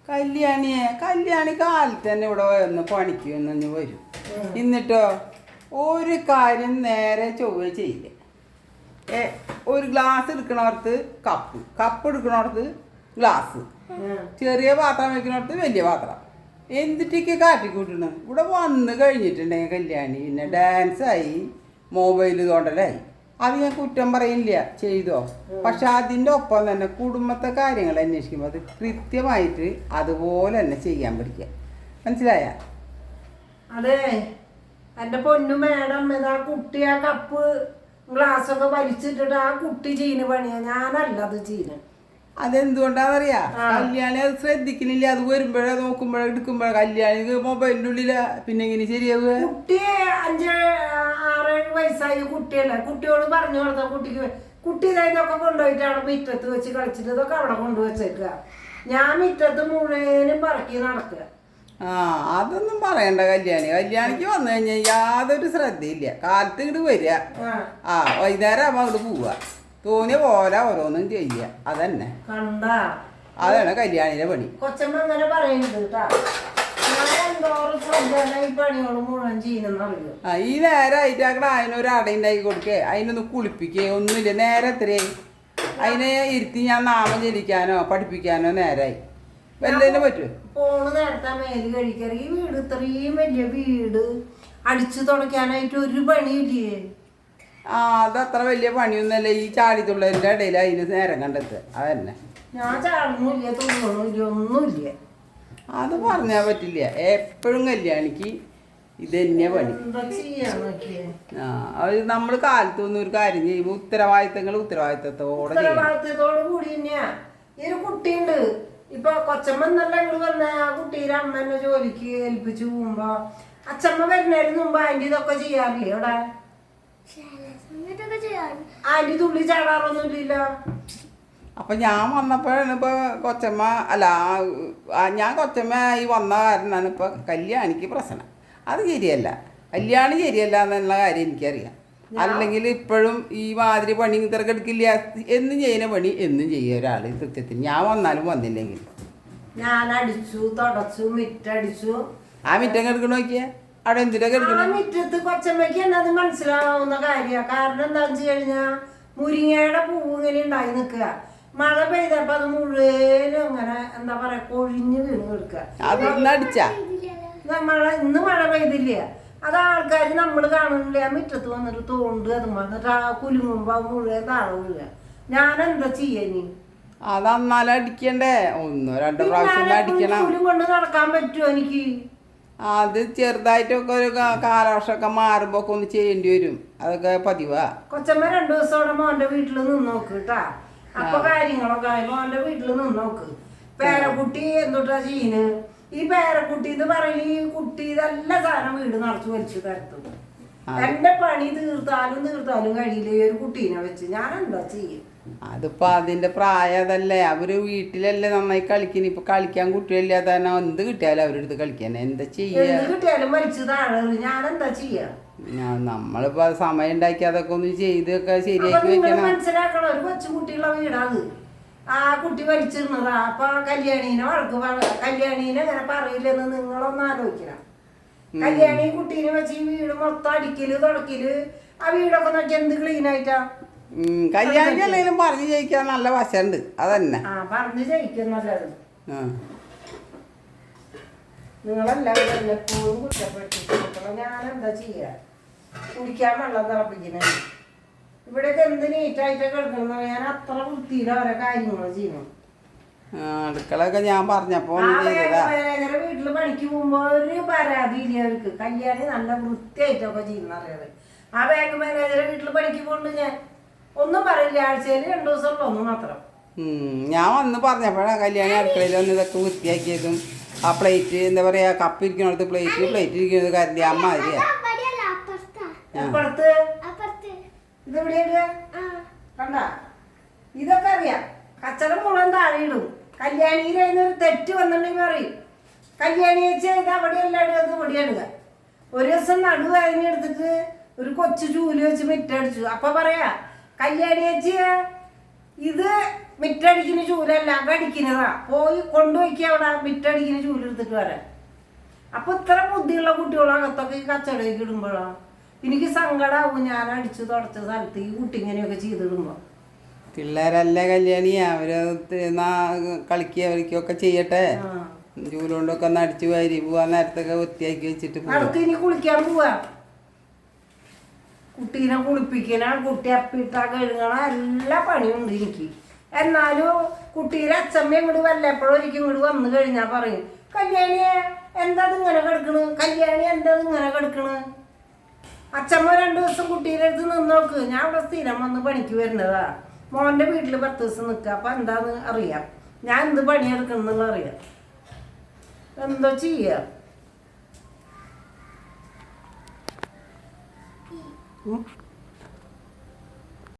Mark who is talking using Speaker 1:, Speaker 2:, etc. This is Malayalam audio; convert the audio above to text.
Speaker 1: കല്യാണി കാലത്ത് തന്നെ ഇവിടെ വന്ന് പണിക്ക് വന്നു വരും. എന്നിട്ടോ ഒരു കാര്യം നേരെ ചൊവ്വ ചെയ്യില്ല. ഒരു ഗ്ലാസ് എടുക്കണോടത്ത് കപ്പ് എടുക്കണോടത്ത് ഗ്ലാസ്, ചെറിയ പാത്രം വെക്കണോടത്ത് വലിയ പാത്രം. എന്തിട്ടൊക്കെ കാട്ടിക്കൂട്ടണ്. ഇവിടെ വന്ന് കഴിഞ്ഞിട്ടുണ്ടെങ്കിൽ കല്യാണി പിന്നെ ഡാൻസായി, മൊബൈൽ തോണ്ടലായി. അത് ഞാൻ കുറ്റം പറയില്ല, ചെയ്തോ. പക്ഷെ അതിൻ്റെ ഒപ്പം തന്നെ കുടുംബത്തെ കാര്യങ്ങൾ അന്വേഷിക്കുമ്പോൾ അത് കൃത്യമായിട്ട് അതുപോലെ തന്നെ ചെയ്യാൻ പഠിക്കുക. മനസ്സിലായ?
Speaker 2: അതെ എൻ്റെ പൊന്നു മേഡം, ആ കുട്ടി ആ കപ്പ് ഗ്ലാസ്സൊക്കെ വലിച്ചിട്ടിട്ട് ആ കുട്ടി ചെയ്യുന്ന പണിയാ, ഞാനല്ല അത് ചെയ്യുന്നത്.
Speaker 1: അതെന്തുകൊണ്ടാന്നറിയാ? കല്യാണി അത് ശ്രദ്ധിക്കുന്നില്ല. അത് വരുമ്പോഴേ നോക്കുമ്പോഴേ എടുക്കുമ്പോഴേ കല്യാണിക്ക് മൊബൈലിൻ്റെ ഉള്ളില. പിന്നെ എങ്ങനെ ശരിയാവുക?
Speaker 2: കുട്ടി 5-6 വയസ്സായ കുട്ടിയല്ല. കുട്ടിയോട് പറഞ്ഞു കൊടുത്ത കുട്ടി ഇതൊക്കെ കൊണ്ടുപോയിട്ട് അവിടെ മുറ്റത്ത് വെച്ച് കളിച്ചിട്ട് ഇതൊക്കെ അവിടെ കൊണ്ടുവച്ചേക്കുക. ഞാൻ മുറ്റത്ത് മുഴുവനും പറക്കി നടക്കുക.
Speaker 1: അതൊന്നും പറയണ്ട. കല്യാണിക്ക് വന്നു കഴിഞ്ഞാൽ യാതൊരു ശ്രദ്ധയില്ല. കാലത്ത് ഇങ്ങോട്ട് വരിക, വൈകുന്നേരം ആകുമ്പോൾ അങ്ങോട്ട് പോവുക, തോന്നിയ പോലെ ഓരോന്നും ചെയ്യുക. അതന്നെ അതാണ് കല്യാണിയുടെ പണി.
Speaker 2: കൊച്ചമ്മ അങ്ങനെ പറയുന്നത് കേട്ടാ.
Speaker 1: ഈ നേരമായിട്ട് ആക്കട അതിനൊരു അടയുണ്ടാക്കി കൊടുക്കേ, അതിനൊന്ന് കുളിപ്പിക്കേ ഒന്നുമില്ല. നേരെ എത്രയായി? അതിനെ ഇരുത്തി ഞാൻ നാമം ജനിക്കാനോ പഠിപ്പിക്കാനോ നേരായി വല്ലതിനെ പറ്റുമോ?
Speaker 2: ഫോണ് നേരത്തെ മേല് കഴിക്കാറ്. ഈ വീട് ഇത്രയും വലിയ വീട് അടിച്ചു തുടക്കാനായിട്ട് ഒരു പണിയില്ലേ?
Speaker 1: അതത്ര വലിയ പണിയൊന്നുമല്ല. ഈ ചാടിത്തുള്ളതിൻ്റെ ഇടയിൽ അതിന് നേരം കണ്ടെത്തുക. അതന്നെ.
Speaker 2: ഞാൻ ചാടണില്ല, തുള്ളണില്ല, ഒന്നുമില്ല.
Speaker 1: അത് പറഞ്ഞാൽ പറ്റില്ല. എപ്പോഴും കല്യാണിക്ക് ഇത് തന്നെ പണി. അത് നമ്മൾ കാലത്തൊന്നും ഒരു കാര്യം ചെയ്യുമ്പോൾ
Speaker 2: ഉത്തരവാദിത്തത്തോട് കൂടി തന്നെയാ. ഈ ഒരു കുട്ടിയുണ്ട് ഇപ്പൊ, കൊച്ചമ്മ എന്നല്ല ഇങ്ങോട്ട് പറഞ്ഞ ആ കുട്ടീരെ അമ്മ എന്നെ ജോലിക്ക് ഏൽപ്പിച്ചു പോകുമ്പോ അച്ഛമ്മ വരുന്നതിന് മുമ്പ് ആന്റി ഇതൊക്കെ ചെയ്യാറില്ലേ? ഇവിടെ ആന്റി തുള്ളി ചാടാറൊന്നുമില്ല.
Speaker 1: അപ്പം ഞാൻ വന്നപ്പോഴാണ് ഇപ്പോൾ കൊച്ചമ്മ ഞാൻ കൊച്ചമ്മ ഈ വന്ന കാരണമാണ് ഇപ്പോൾ കല്യാണിക്ക് പ്രശ്നം. അത് ശരിയല്ല, കല്യാണി ശരിയല്ല എന്നുള്ള കാര്യം എനിക്കറിയാം. അല്ലെങ്കിൽ ഇപ്പോഴും ഈ മാതിരി പണി തിരക്കെടുക്കില്ല. എന്നും ചെയ്യുന്ന പണി എന്നും ചെയ്യുക ഒരാൾ സത്യത്തിൽ. ഞാൻ വന്നാലും വന്നില്ലെങ്കിൽ
Speaker 2: ഞാൻ അടിച്ചു തുടച്ചു, മിറ്റടിച്ചു.
Speaker 1: ആ മിറ്റം കിടക്കണ നോക്കിയാ അവിടെ എന്തിനാ കിടക്കണം?
Speaker 2: മിറ്റത്ത് കൊച്ചമ്മയ്ക്ക് തന്നെ അത് മനസ്സിലാവുന്ന കാര്യമാണ്. കാരണം എന്താണെന്ന് വെച്ച് കഴിഞ്ഞാൽ മുരിങ്ങയുടെ പൂവ് ഇങ്ങനെ ഉണ്ടായി നിൽക്കുക. മഴ പെയ്തപ്പോ അത് മുഴുവനും അങ്ങനെ എന്താ പറയാ കൊഴിഞ്ഞ് വീണ് കിടക്കുക. ഇന്ന് മഴ പെയ്തില്ല. അത് ആൾക്കാർ നമ്മൾ കാണുന്നില്ല. മുറ്റത്ത് വന്നിട്ട് തോണ്ട് അത് വന്നിട്ട് ആ കുലുങ്ങുമ്പോ മുഴുവൻ താഴെ വീഴുക. ഞാൻ എന്താ ചെയ്യാനി?
Speaker 1: അത് അന്നാലും അടിക്കണ്ടേ? 1-2 പ്രാവശ്യം അടിക്കണം.
Speaker 2: കുലും കൊണ്ട് നടക്കാൻ പറ്റുമോ എനിക്ക്?
Speaker 1: അത് ചെറുതായിട്ടൊക്കെ ഒരു കാലവർഷമൊക്കെ മാറുമ്പോ ഒക്കെ ഒന്ന് ചെയ്യേണ്ടി വരും. അതൊക്കെ പതിവാ.
Speaker 2: കൊച്ചമ്മ 2 ദിവസം മോന്റെ വീട്ടിൽ നിന്ന് നോക്ക് കേട്ടാ. അപ്പൊ കാര്യങ്ങളൊക്കെ മോന്റെ വീട്ടിൽ നിന്ന് നോക്ക്. പേരക്കുട്ടി എന്തൊട്ടാ ചെയ്യുന്നത്? ഈ പേരക്കുട്ടി എന്ന് പറയുന്നത് ഈ കുട്ടി ഇതെല്ലാം സാധനം വീട് നിറച്ച് വലിച്ചു തരത്തുള്ളൂ. എന്റെ പണി തീർത്താലും കഴിയില്ല ഈ ഒരു കുട്ടീനെ വെച്ച്. ഞാൻ എന്താ ചെയ്യും?
Speaker 1: അതിപ്പോ അതിന്റെ പ്രായം അതല്ലേ. അവര് വീട്ടിലല്ലേ നന്നായി കളിക്കുന്നു. ഇപ്പൊ കളിക്കാൻ കുട്ടികളില്ലാതെ തന്നെ എന്ത് കിട്ടിയാലും അവരെടുത്ത് കളിക്കാൻ എന്താ ചെയ്യാ?
Speaker 2: കിട്ടിയാലും വലിച്ചു താഴെ ഞാൻ എന്താ ചെയ്യാ?
Speaker 1: നമ്മളിപ്പോ സമയം ഉണ്ടാക്കി അതൊക്കെ ഒന്ന് ചെയ്തൊക്കെ ശരിയാക്കി വെക്കണം.
Speaker 2: മനസ്സിലാക്കണം, ഒരു കൊച്ചുകുട്ടിയുള്ള വീടാണ്. ആ കുട്ടി വലിച്ചിരുന്നതാ. അപ്പൊ കല്യാണീനെ കല്യാണീനെ അങ്ങനെ പറയില്ലെന്ന് നിങ്ങളൊന്ന് ആലോചിക്കണം. കല്യാണി കുട്ടീനെ വെച്ച് ഈ വീട് മൊത്തം അടിക്കല് തുടക്കല്, ആ വീടൊക്കെ നോക്കി എന്ത് ക്ലീൻ ആയിട്ടാ.
Speaker 1: കല്യാണിക്ക് അല്ലെങ്കിലും പറഞ്ഞു ജയിക്കാൻ നല്ല വശമുണ്ട്. അതന്നെ
Speaker 2: പറഞ്ഞു ജയിക്കും നല്ലത്. നിങ്ങളെല്ലാവരും എപ്പോഴും കുറ്റപ്പെട്ടിട്ട് ഞാൻ എന്താ ചെയ്യാ? കുടിക്കാൻ വെള്ളം തിളപ്പിക്കുന്നത് ഇവിടെയൊക്കെ എന്ത് നീറ്റായിട്ട് കിടക്കണം. ഞാൻ അത്ര വൃത്തിയിലെ ഓരോ കാര്യങ്ങൾ ചെയ്യണം.
Speaker 1: അടുക്കളൊക്കെ ഞാൻ പറഞ്ഞപ്പോ
Speaker 2: വീട്ടില് പണിക്ക് പോകുമ്പോ ഒരു പരാതി ഇല്ല അവർക്ക്. കല്യാണി നല്ല വൃത്തിയായിട്ടൊക്കെ ചെയ്യുന്ന അറിയാതെ. ആ ബാങ്ക് മാനേജറെ വീട്ടില് പണിക്ക് പോകുന്നുണ്ട്. ഞാൻ ഒന്നും പറയില്ല. ആഴ്ചയിൽ 2 ദിവസമുള്ള ഒന്ന് മാത്രം.
Speaker 1: ഞാൻ വന്ന് പറഞ്ഞപ്പോഴാണ് കല്യാണി അടുക്കളയിൽ വന്ന് ഇതൊക്കെ വൃത്തിയാക്കിയതും. ആ പ്ലേറ്റ് എന്താ പറയാ, കപ്പ് ഇരിക്കണത് പ്ലേറ്റ് ഇരിക്കുന്നത് കരുതി അമ്മ അറിയാ.
Speaker 2: കണ്ട ഇതൊക്കെ അറിയാം. കച്ചറ മുഴുവൻ താഴെ ഇടും. കല്യാണിയിൽ ഒരു തെറ്റ് വന്നിട്ടുണ്ടെങ്കിൽ പറയും കല്യാണി ചേച്ചി ഇത് അവിടെ എല്ലാവരും അത് പൊടിയാടുക. ഒരു ദിവസം നടുവേദന എടുത്തിട്ട് ഒരു കൊച്ചു ചൂല് വെച്ച് മിറ്റടിച്ചു. അപ്പൊ പറയാ കല്യാണി ചേച്ചി ഇത് മിറ്റടിക്കുന്ന ചൂലല്ല കടിക്കുന്നതാ. പോയി കൊണ്ടുപോയിക്കുക അവിടെ മിറ്റടിക്കുന്ന ചൂലെടുത്തിട്ട് വരാൻ. അപ്പൊ ഇത്ര ബുദ്ധിയുള്ള കുട്ടികളകത്തൊക്കെ ഈ കച്ചടയ്ക്ക് ഇടുമ്പോഴാ എനിക്ക് സങ്കടമാവും. ഞാൻ അടിച്ചു തുടച്ച സ്ഥലത്ത് ഈ കുട്ടി ഇങ്ങനെയൊക്കെ ചെയ്തിടുമ്പോ.
Speaker 1: പിള്ളേരല്ല കല്യാണി, അവര് കളിക്കുക അവരിക്കൊക്കെ ചെയ്യട്ടെ. ചൂലുകൊണ്ടൊക്കെ ഒന്ന് അടിച്ചു വാരി പോവാൻ നേരത്തൊക്കെ വൃത്തിയാക്കി വെച്ചിട്ട്
Speaker 2: അടുത്ത് ഇനി കുളിക്കാൻ പോവാ. കുട്ടീനെ കുളിപ്പിക്കണ, കുട്ടി അപ്പിട്ട കഴുകണ എല്ലാ പണിയുണ്ട് എനിക്ക്. എന്നാലും കുട്ടീരെ അച്ഛമ്മ ഇങ്ങോട്ട് വല്ലപ്പോഴും ഒരിക്കലും ഇങ്ങോട്ട് വന്നു കഴിഞ്ഞാൽ പറയും, കല്യാണിയെ എന്താ ഇങ്ങനെ കിടക്കണ്, കല്യാണി എന്താ ഇങ്ങനെ കിടക്കണ്. അച്ഛമ്മ 2 ദിവസം കുട്ടീരെ അടുത്ത് നിന്ന് നോക്ക്. ഞാൻ ഇവിടെ സ്ഥിരം വന്ന് പണിക്ക് വരുന്നതാ. മോൻ്റെ വീട്ടിൽ 10 ദിവസം നിൽക്കുക. അപ്പം എന്താന്ന് അറിയാം, ഞാൻ എന്ത് പണിയെടുക്കണമെന്നുള്ള അറിയാം. എന്താ ചെയ്യാ?